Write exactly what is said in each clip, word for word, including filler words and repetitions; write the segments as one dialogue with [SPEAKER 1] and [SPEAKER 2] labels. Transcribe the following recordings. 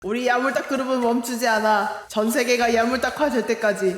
[SPEAKER 1] 우리 야물딱 그룹은 멈추지 않아. 전 세계가 야물딱화 될 때까지.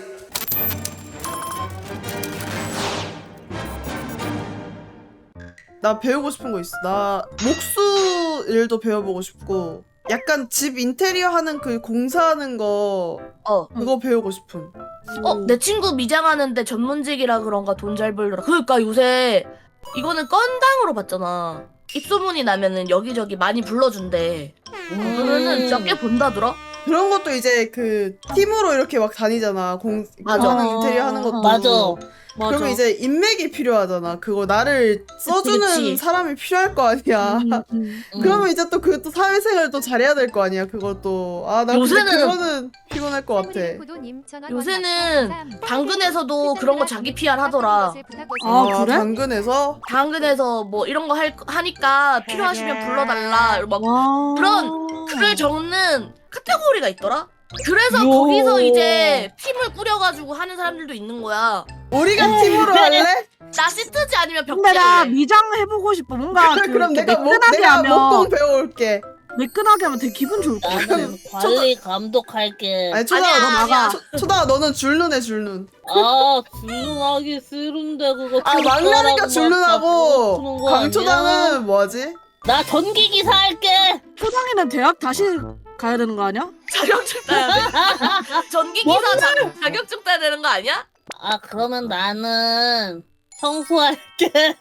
[SPEAKER 1] 나 배우고 싶은 거 있어. 나 목수 일도 배워보고 싶고, 약간 집 인테리어 하는 그 공사하는 거
[SPEAKER 2] 어.
[SPEAKER 1] 그거 배우고 싶음.
[SPEAKER 2] 어, 내 친구 미장하는데 전문직이라 그런가 돈 잘 벌더라. 그러니까 요새 이거는 건당으로 받잖아. 입소문이 나면은 여기저기 많이 불러준대.
[SPEAKER 3] 음.
[SPEAKER 2] 그러면은 진짜 꽤 번다더라.
[SPEAKER 1] 그런 것도 이제 그 팀으로 이렇게 막 다니잖아. 공
[SPEAKER 2] 맞아.
[SPEAKER 1] 하는 인테리어 하는 것도.
[SPEAKER 3] 맞아.
[SPEAKER 4] 맞아.
[SPEAKER 1] 그러면 이제 인맥이 필요하잖아. 그거 나를 써주는
[SPEAKER 2] 그치.
[SPEAKER 1] 사람이 필요할 거 아니야.
[SPEAKER 4] 음, 음.
[SPEAKER 1] 그러면 이제 또 그것도 사회생활도 잘해야 될 거 아니야. 그것도. 아, 나
[SPEAKER 2] 요새는-
[SPEAKER 1] 근데 그거는 피곤할 것 같아.
[SPEAKER 2] 요새는 당근에서도 그런 거 자기 피알 하더라.
[SPEAKER 4] 아, 그래?
[SPEAKER 1] 당근에서?
[SPEAKER 2] 당근에서 뭐 이런 거 할, 하니까 필요하시면 불러달라. 막
[SPEAKER 4] 와.
[SPEAKER 2] 그런 글을 적는 카테고리가 있더라. 그래서
[SPEAKER 4] 요.
[SPEAKER 2] 거기서 이제 팀을 꾸려가지고 하는 사람들도 있는 거야.
[SPEAKER 1] 우리가 팀으로 할래?
[SPEAKER 2] 나 시트지 아니면 벽지
[SPEAKER 4] 근데 나
[SPEAKER 2] 할래.
[SPEAKER 4] 미장 해보고 싶어. 뭔가 그,
[SPEAKER 1] 그럼
[SPEAKER 4] 이렇게
[SPEAKER 1] 내가 목,
[SPEAKER 4] 매끈하게
[SPEAKER 1] 내가
[SPEAKER 4] 하면
[SPEAKER 1] 목공 배워올게.
[SPEAKER 4] 매끈하게 하면 되게 기분 좋을 것 같아.
[SPEAKER 3] 나는 관리 감독할게.
[SPEAKER 1] 아니, 초다가
[SPEAKER 2] 아니야,
[SPEAKER 1] 너
[SPEAKER 2] 아니야.
[SPEAKER 1] 초- 초다가 너는 줄눈해, 줄눈.
[SPEAKER 3] 아, 줄눈하기 싫은데 그거.
[SPEAKER 1] 아, 막내니까 줄눈하고, 강초다는 뭐하지?
[SPEAKER 3] 나 전기 기사 할게.
[SPEAKER 4] 초당이는 대학 다시 가야 되는 거 아니야?
[SPEAKER 2] 자격증 따야 돼. 전기기사 자, 자격증 따야 되는 거 아니야?
[SPEAKER 3] 아, 그러면 나는 청소할게.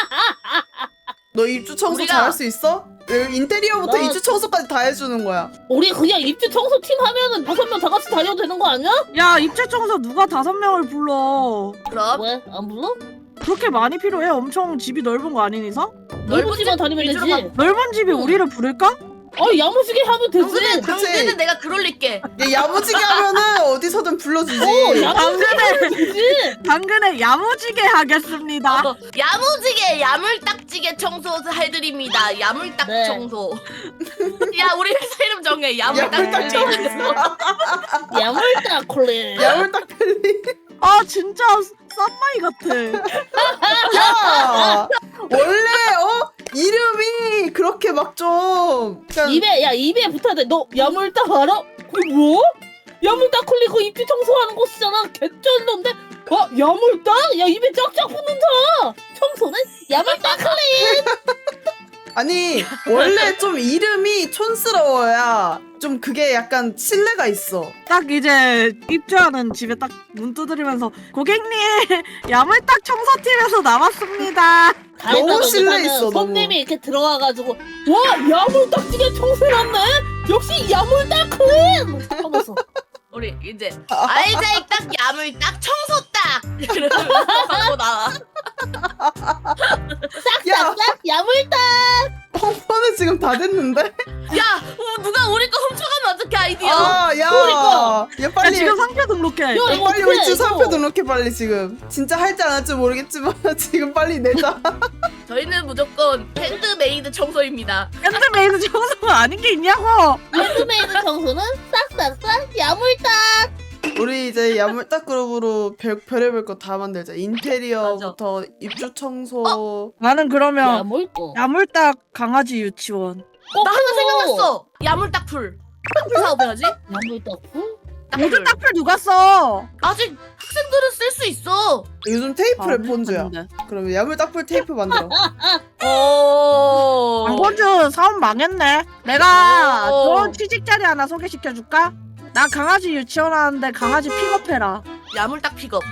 [SPEAKER 1] 너 입주 청소
[SPEAKER 2] 우리가-
[SPEAKER 1] 잘할 수 있어? 인테리어부터
[SPEAKER 3] 나-
[SPEAKER 1] 입주 청소까지 다 해주는 거야.
[SPEAKER 3] 우리 그냥 입주 청소팀 하면은 다섯 명 다 같이 다녀도 되는 거 아니야?
[SPEAKER 4] 야, 입체 청소 누가 다섯 명을 불러?
[SPEAKER 2] 그럼
[SPEAKER 3] 왜? 안 불러?
[SPEAKER 4] 그렇게 많이 필요해? 엄청 집이 넓은 거 아닌 이상?
[SPEAKER 3] 넓은 집만 다니면
[SPEAKER 2] 위주로
[SPEAKER 3] 되지.
[SPEAKER 4] 넓은 집이
[SPEAKER 3] 응.
[SPEAKER 4] 우리를 부를까?
[SPEAKER 3] 아, 야무지게 하면 되지.
[SPEAKER 2] 당근은,
[SPEAKER 1] 그치.
[SPEAKER 2] 당근은 내가 그럴릴게.
[SPEAKER 1] 얘 야무지게 하면은 어디서든 불러주지.
[SPEAKER 3] 어, 야무지게
[SPEAKER 4] 당근에
[SPEAKER 3] 하면 되지.
[SPEAKER 4] 당근에 야무지게 하겠습니다.
[SPEAKER 2] 어, 야무지게 야물딱지게 청소 해드립니다. 야물딱
[SPEAKER 3] 네.
[SPEAKER 2] 청소. 야 우리 회사 이름 정해. 야물딱
[SPEAKER 1] 야물딱
[SPEAKER 2] 청소.
[SPEAKER 3] 야물딱 콜리.
[SPEAKER 1] 야물딱 펠리.
[SPEAKER 4] 아 진짜 쌈마이 같아.
[SPEAKER 1] 야! 원래, 어? 이름이 그렇게 막 좀. 약간
[SPEAKER 3] 입에, 야, 입에 붙어야 돼. 너 야물딱 알아? 그게 뭐? 야물딱 콜리 그 입주 청소하는 곳이잖아. 개쩔던데? 어? 야물딱? 야, 입에 쫙쫙 붙는다. 청소는 야물딱 콜리.
[SPEAKER 1] 아니, 원래 좀 이름이 촌스러워야 좀 그게 약간 신뢰가 있어.
[SPEAKER 4] 딱 이제 입주하는 집에 딱 문 두드리면서 고객님 야물딱 청소팀에서 나왔습니다.
[SPEAKER 1] 너무 신뢰 있어, 너무.
[SPEAKER 3] 손님이 이렇게 들어와가지고 와 야물딱지게 청소해놨네. 역시 야물딱 콜리. 하면서
[SPEAKER 2] 우리 이제 알자이 딱 야물딱 청소 딱. 이러면서 하고 나와.
[SPEAKER 1] 야,
[SPEAKER 3] 싹싹 야물딱.
[SPEAKER 1] 펑퍼는 지금 다 됐는데?
[SPEAKER 2] 야 어, 누가 우리 거 훔쳐가면 어떡해 아이디어.
[SPEAKER 1] 아, 야.
[SPEAKER 3] 그러니까.
[SPEAKER 1] 얘
[SPEAKER 4] 야,
[SPEAKER 1] 빨리.
[SPEAKER 4] 지금 상표 등록해.
[SPEAKER 3] 야,
[SPEAKER 1] 야,
[SPEAKER 3] 이거
[SPEAKER 1] 빨리
[SPEAKER 3] 어떡해,
[SPEAKER 1] 우리 주사표
[SPEAKER 3] 이거.
[SPEAKER 1] 등록해 빨리 지금. 진짜 할지 안 할지 모르겠지만 지금 빨리 내자.
[SPEAKER 2] 저희는 무조건 핸드메이드 청소입니다.
[SPEAKER 4] 핸드메이드 청소가 아닌 게 있냐고.
[SPEAKER 3] 핸드메이드 청소는 싹싹싹 야물딱.
[SPEAKER 1] 우리 이제 야물딱 그룹으로 별, 별의별 거 다 만들자. 인테리어부터 입주 청소.
[SPEAKER 4] 나는 그러면
[SPEAKER 3] 야물딱.
[SPEAKER 4] 야물딱 강아지 유치원.
[SPEAKER 2] 나 하나 생각났어. 야물딱풀. 딱풀 사업해야지.
[SPEAKER 3] 야물딱 풀?
[SPEAKER 4] 요즘 딱풀 누가 써?
[SPEAKER 2] 아직 학생들은 쓸 수 있어.
[SPEAKER 1] 요즘 테이프를
[SPEAKER 4] 아,
[SPEAKER 1] 본주야.
[SPEAKER 4] 했는데.
[SPEAKER 1] 그러면 야물딱풀 테이프 만들어.
[SPEAKER 2] 오.
[SPEAKER 4] 광고주 사업 망했네. 내가
[SPEAKER 2] 오.
[SPEAKER 4] 좋은 취직 자리 하나 소개시켜 줄까? 나 강아지 유치원 하는데 강아지 픽업해라.
[SPEAKER 2] 야물딱 픽업.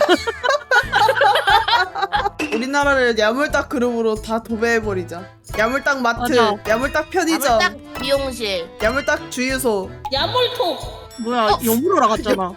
[SPEAKER 1] 우리나라를 야물딱 그룹으로 다 도배해버리자. 야물딱 마트,
[SPEAKER 4] 맞아.
[SPEAKER 1] 야물딱 편의점,
[SPEAKER 2] 야물딱 미용실.
[SPEAKER 1] 야물딱 주유소.
[SPEAKER 3] 야물톡.
[SPEAKER 4] 뭐야,
[SPEAKER 2] 어.
[SPEAKER 4] 여물어 나갔잖아.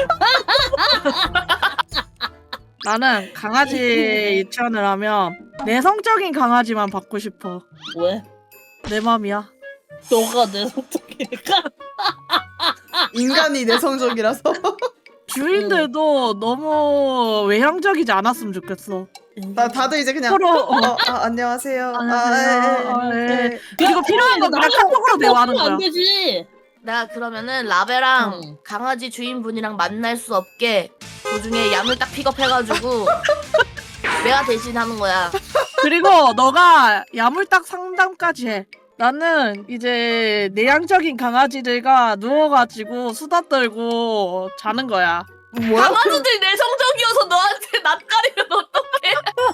[SPEAKER 4] 나는 강아지 유치원을 하면 내성적인 강아지만 받고 싶어.
[SPEAKER 3] 왜?
[SPEAKER 4] 내 맘이야.
[SPEAKER 3] 너가 내 성격이니까.
[SPEAKER 1] 인간이 내성적이라서.
[SPEAKER 4] 주인들도 너무 외향적이지 않았으면 좋겠어.
[SPEAKER 1] 나 다들 이제 그냥
[SPEAKER 4] 서로
[SPEAKER 1] 어, 아, 안녕하세요.
[SPEAKER 4] 안녕하세요.
[SPEAKER 1] 아, 예, 예,
[SPEAKER 4] 아,
[SPEAKER 1] 예.
[SPEAKER 4] 그리고 필요한 거 그냥 카톡으로 대화하는 거야.
[SPEAKER 3] 안 되지.
[SPEAKER 2] 나 그러면은 라베랑
[SPEAKER 3] 응.
[SPEAKER 2] 강아지 주인분이랑 만날 수 없게 도중에 야물딱 픽업해가지고 내가 대신하는 거야.
[SPEAKER 4] 그리고 너가 야물딱 상담까지 해. 나는 이제 내향적인 강아지들과 누워가지고 수다 떨고 자는 거야.
[SPEAKER 1] 뭐야?
[SPEAKER 2] 강아지들 내성적이어서 너한테 낯가리면 어떡해?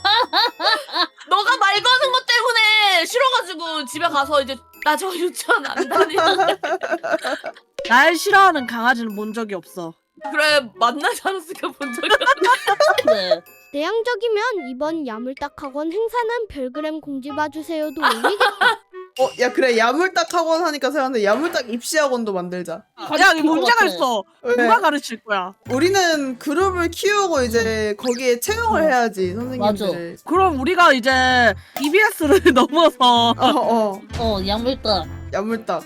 [SPEAKER 2] 너가 말 거는 것 때문에 싫어가지고 집에 가서 이제 나 저 유치원 안 다니는데.
[SPEAKER 4] 날 싫어하는 강아지는 본 적이 없어.
[SPEAKER 2] 그래 만나지 않았으니까 본 적이 없어.
[SPEAKER 3] 그래.
[SPEAKER 5] 내향적이면 이번 야물딱학원 행사는 별그램 공지 봐주세요도 올리겠다.
[SPEAKER 1] 어, 야 그래 야물딱 학원 하니까 생각나는데 야물딱 입시 학원도 만들자.
[SPEAKER 4] 야, 이 문제가 있어.
[SPEAKER 1] 왜?
[SPEAKER 4] 누가 가르칠 거야?
[SPEAKER 1] 우리는 그룹을 키우고 이제 거기에 채용을 해야지 선생님들을.
[SPEAKER 4] 그럼 우리가 이제 이비에스를 넘어서
[SPEAKER 1] 어, 어,
[SPEAKER 3] 어 야물딱.
[SPEAKER 1] 야물딱.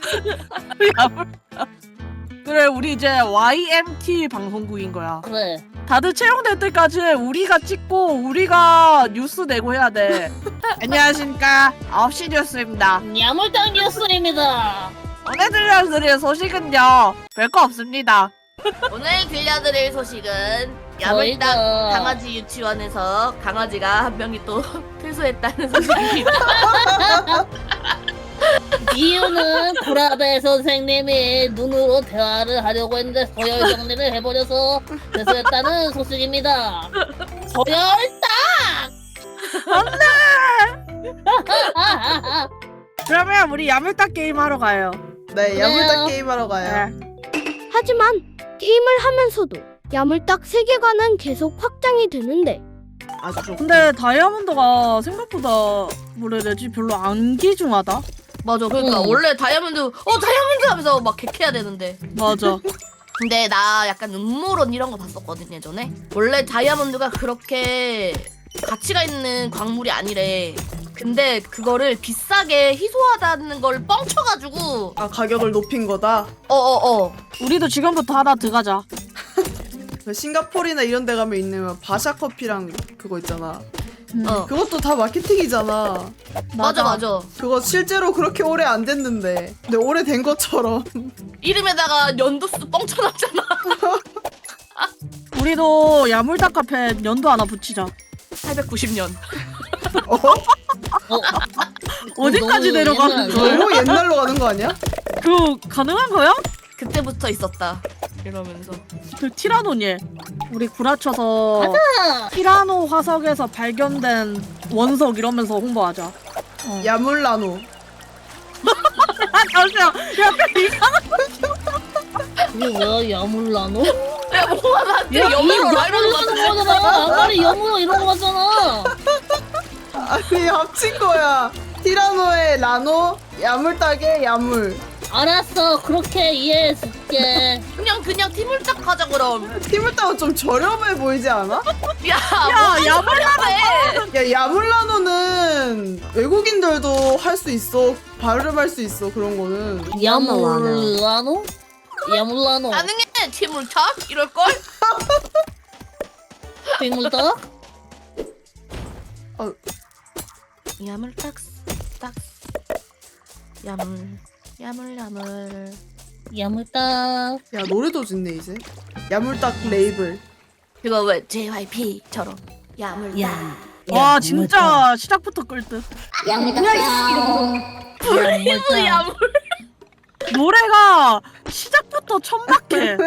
[SPEAKER 4] 그래, 우리 이제 와이엠티 방송국인 거야.
[SPEAKER 3] 그래.
[SPEAKER 4] 다들 채용될 때까지 우리가 찍고 우리가 뉴스 내고 해야 돼. 안녕하십니까, 아홉 시 뉴스입니다.
[SPEAKER 3] 야물딱 뉴스입니다.
[SPEAKER 4] 오늘 들려드릴 소식은요, 별거 없습니다.
[SPEAKER 2] 오늘 들려드릴 소식은 야물딱
[SPEAKER 3] 저희가
[SPEAKER 2] 강아지 유치원에서 강아지가 한 명이 또 퇴소했다는 소식입니다.
[SPEAKER 3] 이유는 구라베 선생님이 눈으로 대화를 하려고 했는데 서열 정리를 해버려서 퇴소했다는 소식입니다. 서열딱!
[SPEAKER 4] 그러면 우리 야물딱 게임 하러 가요.
[SPEAKER 1] 네, 야물딱
[SPEAKER 3] 그래요.
[SPEAKER 1] 게임하러 가요.
[SPEAKER 4] 네.
[SPEAKER 5] 하지만 게임을 하면서도 야물딱 세계관은 계속 확장이 되는데
[SPEAKER 1] 아주 좋고.
[SPEAKER 4] 근데 다이아몬드가 생각보다 뭐라 해야 되지? 별로 안 귀중하다.
[SPEAKER 2] 맞아. 그러니까
[SPEAKER 3] 응.
[SPEAKER 2] 원래 다이아몬드 어 다이아몬드 하면서 막 객해야 되는데.
[SPEAKER 4] 맞아.
[SPEAKER 2] 근데 나 약간 음모론 이런 거 봤었거든 예전에. 원래 다이아몬드가 그렇게 가치가 있는 광물이 아니래. 근데 그거를 비싸게 희소하다는 걸 뻥쳐가지고
[SPEAKER 1] 아 가격을 높인 거다.
[SPEAKER 2] 어어어
[SPEAKER 4] 우리도 지금부터 하나 들어가자.
[SPEAKER 1] 그 싱가포르나 이런 데 가면 있는 바샤 커피랑 그거 있잖아.
[SPEAKER 2] 어.
[SPEAKER 1] 그것도 다 마케팅이잖아.
[SPEAKER 2] 맞아 맞아.
[SPEAKER 1] 그거 실제로 그렇게 오래 안 됐는데. 근데 오래 된 것처럼.
[SPEAKER 2] 이름에다가 연도수 뻥쳐놨잖아.
[SPEAKER 4] 우리도 야물딱 카페 연도 하나 붙이자.
[SPEAKER 2] 팔백구십 년.
[SPEAKER 1] 어?
[SPEAKER 3] 어,
[SPEAKER 4] 어디까지
[SPEAKER 3] 너무
[SPEAKER 4] 내려가는
[SPEAKER 3] 옛날
[SPEAKER 4] 거야?
[SPEAKER 3] 아니야?
[SPEAKER 1] 너무 옛날로 가는 거 아니야?
[SPEAKER 4] 그거 가능한 거야?
[SPEAKER 2] 그때부터 있었다. 이러면서.
[SPEAKER 4] 그 티라노니. 우리 구라쳐서
[SPEAKER 3] 가자!
[SPEAKER 4] 티라노 화석에서 발견된 원석 이러면서 홍보하자.
[SPEAKER 1] 야물라노.
[SPEAKER 4] 아, 잠시만. 약간 이상한.
[SPEAKER 3] 이게 뭐야 야물라노?
[SPEAKER 2] 야 뭐가 나한테
[SPEAKER 3] 야,
[SPEAKER 2] 여물로
[SPEAKER 3] 이
[SPEAKER 2] 라이브로
[SPEAKER 3] 야물라는 거잖아. 아까리 여물로 이런 거 같잖아.
[SPEAKER 1] 아니 합친 거야. 티라노의 라노, 야물딱의 야물.
[SPEAKER 3] 알았어. 그렇게 이해해줄게.
[SPEAKER 2] 그냥 그냥 팀을 딱 하자 그럼.
[SPEAKER 1] 팀을 따고 좀 저렴해 보이지 않아?
[SPEAKER 2] 야,
[SPEAKER 4] 야, 야물라노.
[SPEAKER 1] 야 야물라노는 외국인들도 할 수 있어. 발음할 수 있어 그런 거는.
[SPEAKER 3] 야물라노? 야물라노.
[SPEAKER 2] 가능해 팀을 탁 이럴 걸.
[SPEAKER 3] 빙물떡?
[SPEAKER 2] 야물 딱딱 야물 야물 야물.
[SPEAKER 3] 야물떡.
[SPEAKER 1] 야 노래도 짓네 이제. 야물딱 레이블.
[SPEAKER 2] 그거 왜 제이와이피처럼 야물.
[SPEAKER 3] 야.
[SPEAKER 4] 와, 진짜 시작부터 끌듯.
[SPEAKER 3] 야물떡.
[SPEAKER 2] 브레이브 야물.
[SPEAKER 4] 노래가 시작부터 천박해.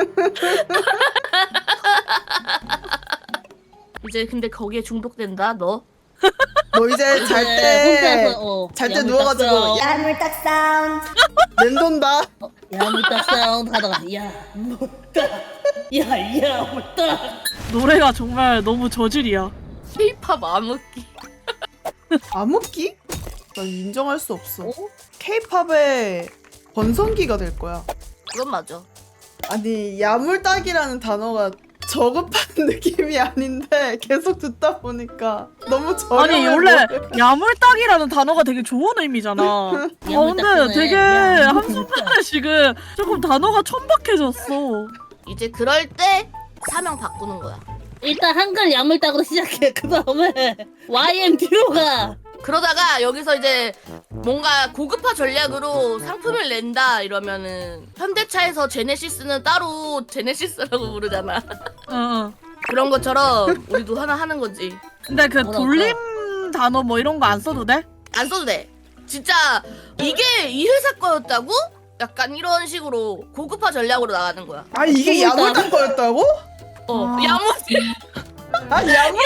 [SPEAKER 2] 이제 근데 거기에 중독된다 너.
[SPEAKER 1] 너 이제 잘 때 잘 때 누워가지고 야물딱 사운드 맴돈다.
[SPEAKER 3] 야물떡 사운드 하다가 야물떡. 야 야물떡.
[SPEAKER 4] 노래가 정말 너무 저질이야.
[SPEAKER 2] K-팝 암흑기.
[SPEAKER 1] 암흑기? 난 인정할 수 없어.
[SPEAKER 3] 어?
[SPEAKER 1] K-팝의 번성기가 될 거야.
[SPEAKER 2] 그건 맞아.
[SPEAKER 1] 아니 야물딱이라는 단어가 저급한 느낌이 아닌데 계속 듣다 보니까 너무 저렴해.
[SPEAKER 4] 아니, 원래
[SPEAKER 1] 보여.
[SPEAKER 4] 야물딱이라는 단어가 되게 좋은 의미잖아. 어, 근데 되게 한순간에 지금 조금 단어가 천박해졌어.
[SPEAKER 2] 이제 그럴 때 사명 바꾸는 거야.
[SPEAKER 3] 일단 한글 야물떡으로 시작해. 그 다음에 와이엠티오가
[SPEAKER 2] 그러다가 여기서 이제 뭔가 고급화 전략으로 상품을 낸다 이러면은 현대차에서 제네시스는 따로 제네시스라고 부르잖아.
[SPEAKER 4] 어, 어.
[SPEAKER 2] 그런 것처럼 우리도 하나 하는 거지.
[SPEAKER 4] 근데 그
[SPEAKER 3] 뭐랄까.
[SPEAKER 4] 돌림 단어 뭐 이런 거 안 써도 돼?
[SPEAKER 2] 안 써도 돼. 진짜 이게 이 회사 거였다고? 약간 이런 식으로 고급화 전략으로 나가는 거야.
[SPEAKER 1] 아 이게
[SPEAKER 3] 그러니까.
[SPEAKER 1] 야물딱 거였다고?
[SPEAKER 2] 어,
[SPEAKER 4] 아.
[SPEAKER 2] 야무지.
[SPEAKER 1] 아 야물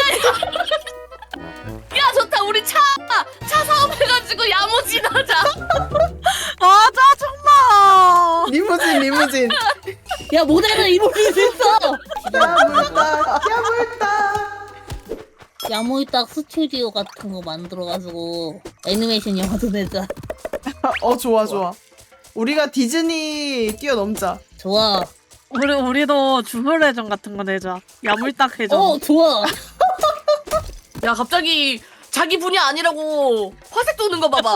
[SPEAKER 2] 야, 좋다. 우리 차, 차 사업해가지고 야무진 하자.
[SPEAKER 4] 아 짜증나.
[SPEAKER 1] 리무진 리무진.
[SPEAKER 3] 야 모델은 이모지 있어.
[SPEAKER 1] 야물딱 야물딱.
[SPEAKER 3] 야물딱 스튜디오 같은 거 만들어가지고 애니메이션 영화도 내자.
[SPEAKER 1] 어 좋아 좋아. 우리가 디즈니 뛰어넘자.
[SPEAKER 3] 좋아.
[SPEAKER 4] 우리 우리도 주물회전 같은 거 내자. 야물딱 회전.
[SPEAKER 3] 어 좋아.
[SPEAKER 2] 야, 갑자기 자기 분야 아니라고 화색 도는 거 봐봐.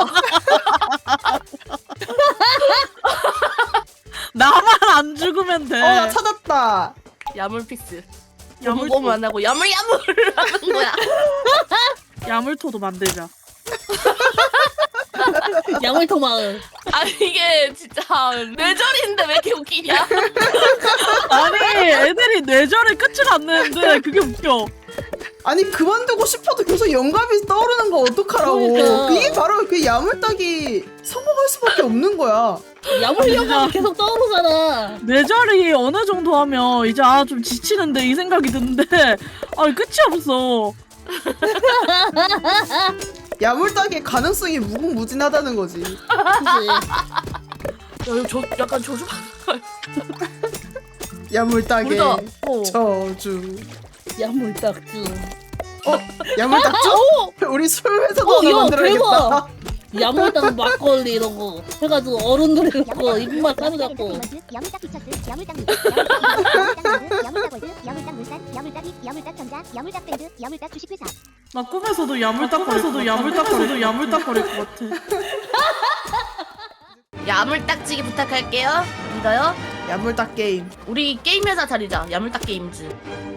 [SPEAKER 4] 나만 안 죽으면 돼.
[SPEAKER 1] 어 나 찾았다.
[SPEAKER 2] 야물픽스.
[SPEAKER 4] 야물
[SPEAKER 2] 야물 안 하고 야물야물 하는 거야.
[SPEAKER 4] 야물토도 만들자.
[SPEAKER 3] 야물토 마을.
[SPEAKER 2] 아니, 이게 진짜 뇌절인데 왜 이렇게 웃기냐?
[SPEAKER 4] 아니 애들이 뇌절에 끝을 안 내는데 그게 웃겨.
[SPEAKER 1] 아니 그만두고 싶어도 계속 영감이 떠오르는 거 어떡하라고.
[SPEAKER 3] 그러니까.
[SPEAKER 1] 이게 바로 그 야물딱이 성공할 수밖에 없는 거야.
[SPEAKER 3] 야물야물 계속 떠오르잖아.
[SPEAKER 4] 뇌절이 어느 정도 하면 이제 아 좀 지치는데 이 생각이 드는데 아 끝이 없어.
[SPEAKER 1] 야물딱의 가능성이 무궁무진하다는 거지.
[SPEAKER 3] 그치.
[SPEAKER 2] 야, 이거 저, 약간 저주받는
[SPEAKER 1] 야물딱의
[SPEAKER 2] 우리가 어.
[SPEAKER 1] 저주.
[SPEAKER 3] 야물딱주.
[SPEAKER 1] 어? 야물딱주? 우리 술 회사도
[SPEAKER 3] 어,
[SPEAKER 1] 하나
[SPEAKER 3] 야,
[SPEAKER 1] 만들어야겠다.
[SPEAKER 3] 야물딱 막걸리 이런 거 해가지고 어른들 해갖고 입맛 사로잡고.
[SPEAKER 6] 야물딱 피처스, 야물딱 뮤직, 야물딱 야물딱 월드, 야물딱 물산, 야물딱 이, 야물딱 전자, 야물딱 밴드, 야물딱 주식회사.
[SPEAKER 4] 나 꿈에서도 야물딱거려도 야물딱거려도 야물딱거릴 것 같아.
[SPEAKER 2] 야물딱지기 부탁할게요. 믿어요?
[SPEAKER 1] 야물딱 게임.
[SPEAKER 2] 우리 게임 회사 차리자. 야물딱 게임즈.